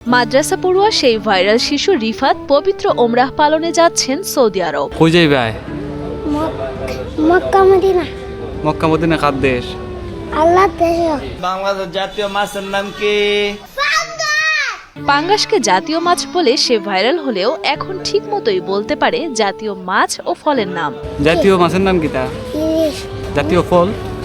মাদ্রাসা পড়ুয়া সেই ভাইরাল শিশু রিফাত পবিত্র ওমরাহ পালনে যাচ্ছেন সৌদি আরব। কই যাই ভাই? Mecca Medina. মক্কা মদিনা কার দেশ? আল্লাহর দেশ। বাংলাদেশ জাতীয় মাছের নাম কি? পাঙ্গাসকে জাতীয় মাছ বলে সে ভাইরাল হলেও এখন ঠিক মতোই বলতে পারে জাতীয় মাছ ও ফলের নাম। জাতীয় মাছের নাম কিটা? ইলিশ। জাতীয় ফল?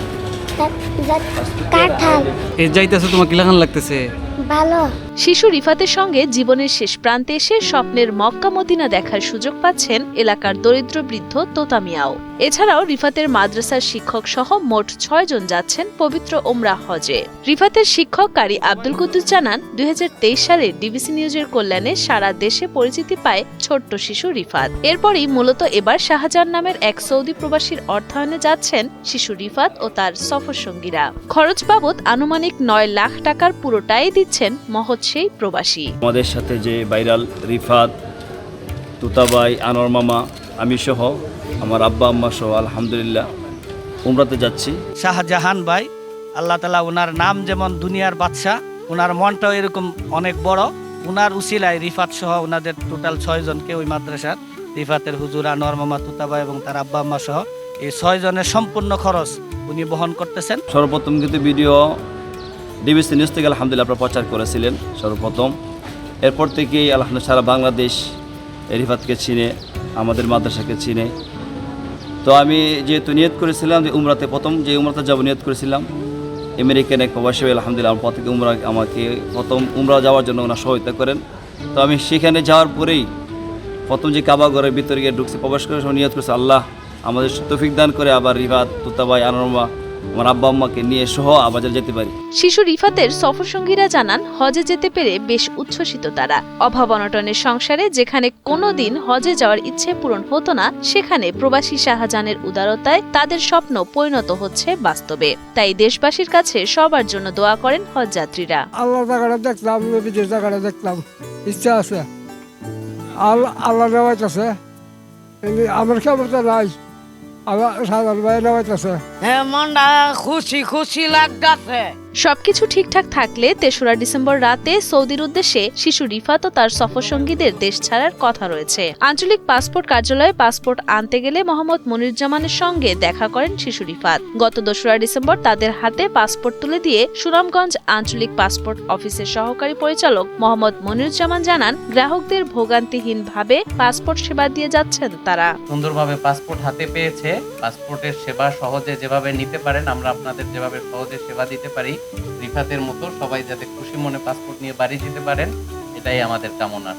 কাঁঠাল। এই যাইতেছে তোমার কি লাগান লাগতেছে? ভালো। শিশু রিফাতের সঙ্গে জীবনের শেষ প্রান্তে এসে স্বপ্নের মক্কা মদিনা দেখার সুযোগ পাচ্ছেন এলাকার দরিদ্র বৃদ্ধ তোতা মিয়াও। এছাড়াও রিফাতের মাদ্রাসার শিক্ষক সহ মোট ৬ জন যাচ্ছেন পবিত্র ওমরাহ হজে। রিফাতের শিক্ষক কারি আব্দুল কুদ্দুস জানান, ২০২৩ সালে ডিবিসি নিউজের কল্যাণে সারা দেশে পরিচিতি পায় ছোট্ট শিশু রিফাত। এরপরই মূলত এবার শাহজাহান নামের এক সৌদি প্রবাসীর অর্থায়নে যাচ্ছেন শিশু রিফাত ও তার সফরসঙ্গীরা। খরচ বাবদ আনুমানিক ৯ লাখ টাকার পুরোটাই দিচ্ছেন মহৎ সেই প্রবাসী। আমাদের সাথে যে ভাইরাল রিফাত, তুতাবাই, আনোয়ার মামা, আমি সহ আমার আব্বা আম্মা সহ আলহামদুলিল্লাহ উমরাতে যাচ্ছি। শাহজাহান ভাই, আল্লাহ তাআলা ওনার নাম যেমন দুনিয়ার বাদশাহ, ওনার মনটাও এরকম অনেক বড়। ওনার উসিলায় রিফাত সহ ওনাদের টোটাল ৬ জনকে ওই মাদ্রাসার রিফাতের হুজুর, আনোয়ার মামা, তুতাবাই এবং তার আব্বা আম্মা সহ এই ৬ জনের সম্পূর্ণ খরচ উনি বহন করতেছেন। সর্বপ্রথম কিন্তু ভিডিও ডিবিসি নিউজ থেকে আলহামদুলিল্লাহ আপনারা প্রচার করেছিলেন সর্বপ্রথম। এরপর থেকেই আলহামদুলিল্লাহ সারা বাংলাদেশ রিফাতকে চিনে, আমাদের মাদ্রাসাকে চিনে। তো আমি যেহেতু নিয়ত করেছিলাম যে উমরাতে প্রথম যে উমরাতে যাব নিয়ত করেছিলাম, আমেরিকান এক প্রবাসী আলহামদুলিল্লাহ আমার প্রত্যেকে আমাকে প্রথম উমরা যাওয়ার জন্য ওনারা সহায়তা করেন। তো আমি সেখানে যাওয়ার পরেই প্রথম যে কাবা ঘরের ভিতরে গিয়ে ঢুকছে, প্রবেশ করে সব নিয়ত করেছে আল্লাহ আমাদের তৌফিক দান করে আবার রিফাত, তুতাবাই, আনোয়ার, আমার আব্বা আম্মাকে নিয়ে সহ আবার যেতে পারি। শিশু রিফাতের সফরসঙ্গীরা জানান, হজে যেতে পেরে বেশ উচ্ছ্বসিত তারা। অভাব অনটনের সংসারে যেখানে কোনোদিন হজে যাওয়ার ইচ্ছে পূরণ হতো না, সেখানে প্রবাসী শাহজাহানের উদারতায় তাদের স্বপ্ন পরিণত হচ্ছে বাস্তবে। তাই দেশবাসীর কাছে সবার জন্য দোয়া করেন হজযাত্রীরা। আল্লাহ জায়গাটা দেখলাম, বিদেশ জায়গাটা দেখলাম, ইচ্ছা আছে, আল্লাহ নেওয়াইত আছে, আমার ক্ষমতা নাই, আল্লাহ সাধারণ ভাই নেওয়াইত আছে। মনটা খুশি খুশি লাগতেছে। সবকিছু ঠিকঠাক থাকলে ৩রা ডিসেম্বর রাতে সৌদির উদ্দেশ্যে শিশু রিফাত ও তার সফরসঙ্গীদের দেশ ছাড়ার কথা রয়েছে। আঞ্চলিক পাসপোর্ট কার্যালয়ে পাসপোর্ট আনতে গেলে মোহাম্মদ মনিরুজ্জামানের সঙ্গে দেখা করেন শিশু রিফাত। গত ২রা ডিসেম্বর তাদের হাতে পাসপোর্ট তুলে দিয়ে সুনামগঞ্জ আঞ্চলিক পাসপোর্ট অফিসের সহকারী পরিচালক মোহাম্মদ মনিরুজ্জামান জানান, গ্রাহকদের ভোগান্তিহীনভাবে পাসপোর্ট সেবা দিয়ে যাচ্ছেন তারা। সুন্দরভাবে পাসপোর্ট হাতে পেয়েছে। পাসপোর্টের সেবা সহজে যেভাবে নিতে পারেন, আমরা আপনাদের যেভাবে সহজে সেবা দিতে পারি, রিফাতের মতো সবাই যাতে খুশি মনে পাসপোর্ট নিয়ে বাড়ি যেতে পারেন, এটাই আমাদের কামনা।